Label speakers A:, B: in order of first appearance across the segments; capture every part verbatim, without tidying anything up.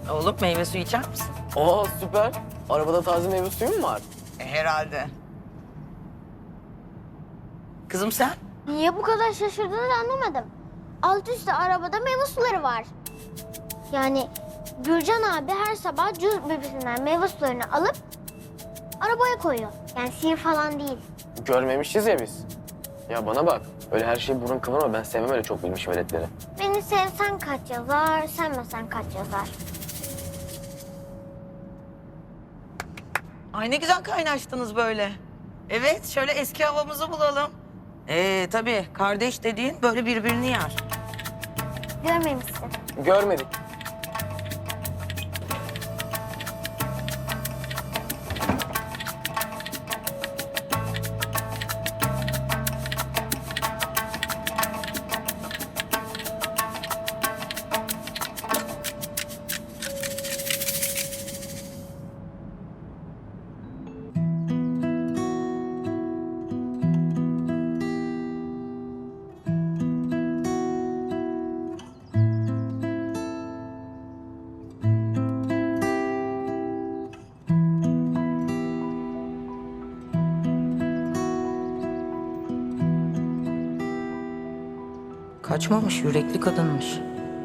A: Oğlum meyve suyu içer misin?
B: Aa süper. Arabada taze meyve suyu mu var?
A: E, herhalde. Kızım sen?
C: Niye bu kadar şaşırdığını anlamadım. Alt üstte arabada meyve suları var. Yani Gürcan abi her sabah cüz bebesinden meyve sularını alıp arabaya koyuyor. Yani sihir falan değil.
B: Görmemişiz ya biz. Ya bana bak. Öyle her şeyi burun kıvırma. Ben sevmem öyle çok bilmiş veletleri.
C: Beni sevsen kaç yazar, sevmesen kaç yazar.
A: Ay ne güzel kaynaştınız böyle. Evet, şöyle eski havamızı bulalım. Ee tabii kardeş dediğin böyle birbirini yer.
C: Görmemişsin.
B: Görmedik.
A: Kaçmamış, yürekli kadınmış.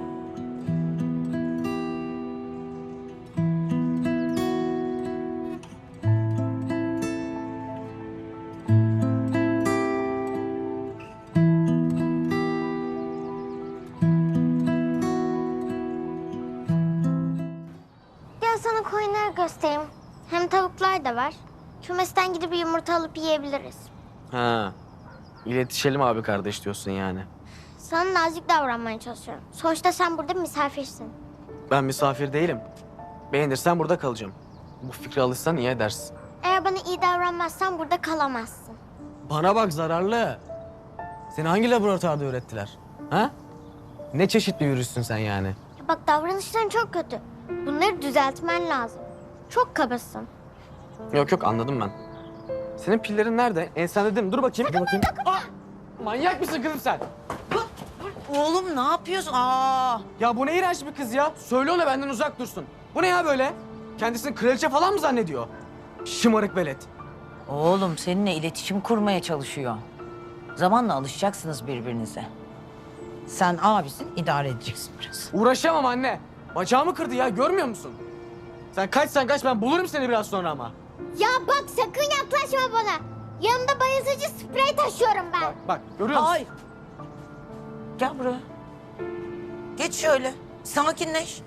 C: Gel sana koyunları göstereyim. Hem tavuklar da var. Kümesten gidip bir yumurta alıp yiyebiliriz.
B: Ha. İletişelim abi kardeş diyorsun yani.
C: Sana nazik davranmaya çalışıyorum. Sonuçta sen burada misafirsin.
B: Ben misafir değilim. Beğenirsen burada kalacağım. Bu fikre alışsan iyi edersin.
C: Eğer bana iyi davranmazsan burada kalamazsın.
B: Bana bak zararlı. Seni hangi laboratuvarda öğrettiler? Ha? Ne çeşit bir virüsün sen yani?
C: Ya bak davranışların çok kötü. Bunları düzeltmen lazım. Çok kabasın.
B: Yok yok anladım ben. Senin pillerin nerede? Ensende değil mi? Dur bakayım. Dur bakayım. Aa! Manyak mısın kızım sen?
A: Oğlum ne yapıyorsun? Aa!
B: Ya bu ne iğrenç bir kız ya. Söyle ona benden uzak dursun. Bu ne ya böyle? Kendisini kraliçe falan mı zannediyor? Şımarık velet.
D: Oğlum seninle iletişim kurmaya çalışıyor. Zamanla alışacaksınız birbirinize. Sen abisin, idare edeceksin biraz.
B: Uğraşamam anne. Bacağımı kırdı ya görmüyor musun? Sen kaçsan kaç ben bulurum seni biraz sonra ama.
C: Ya bak sakın yaklaşma bana. Yanımda bayıltıcı sprey taşıyorum ben.
B: Bak bak görüyor musun?
A: Hayır. Gel buraya. Geç şöyle. Sakinleş.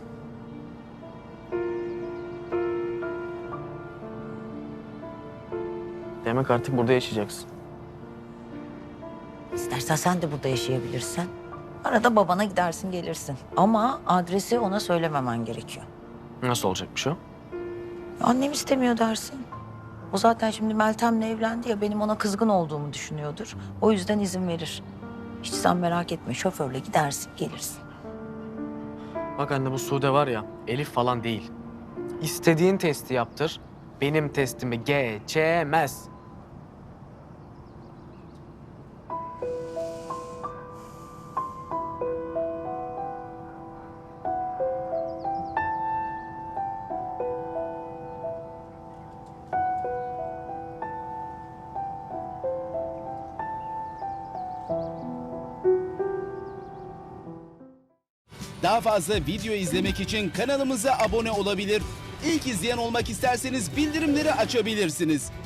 B: Demek artık burada yaşayacaksın.
D: İstersen sen de burada yaşayabilirsin. Arada babana gidersin gelirsin. Ama adresi ona söylememen gerekiyor.
B: Nasıl olacakmış o?
D: Annem istemiyor dersin. O zaten şimdi Meltem'le evlendi ya benim ona kızgın olduğumu düşünüyordur. O yüzden izin verir. Hiç sen merak etme şoförle gidersin gelirsin.
B: Bak anne bu Sude var ya Elif falan değil. İstediğin testi yaptır. Benim testimi geçemez.
E: Daha fazla video izlemek için kanalımıza abone olabilir. İlk izleyen olmak isterseniz bildirimleri açabilirsiniz.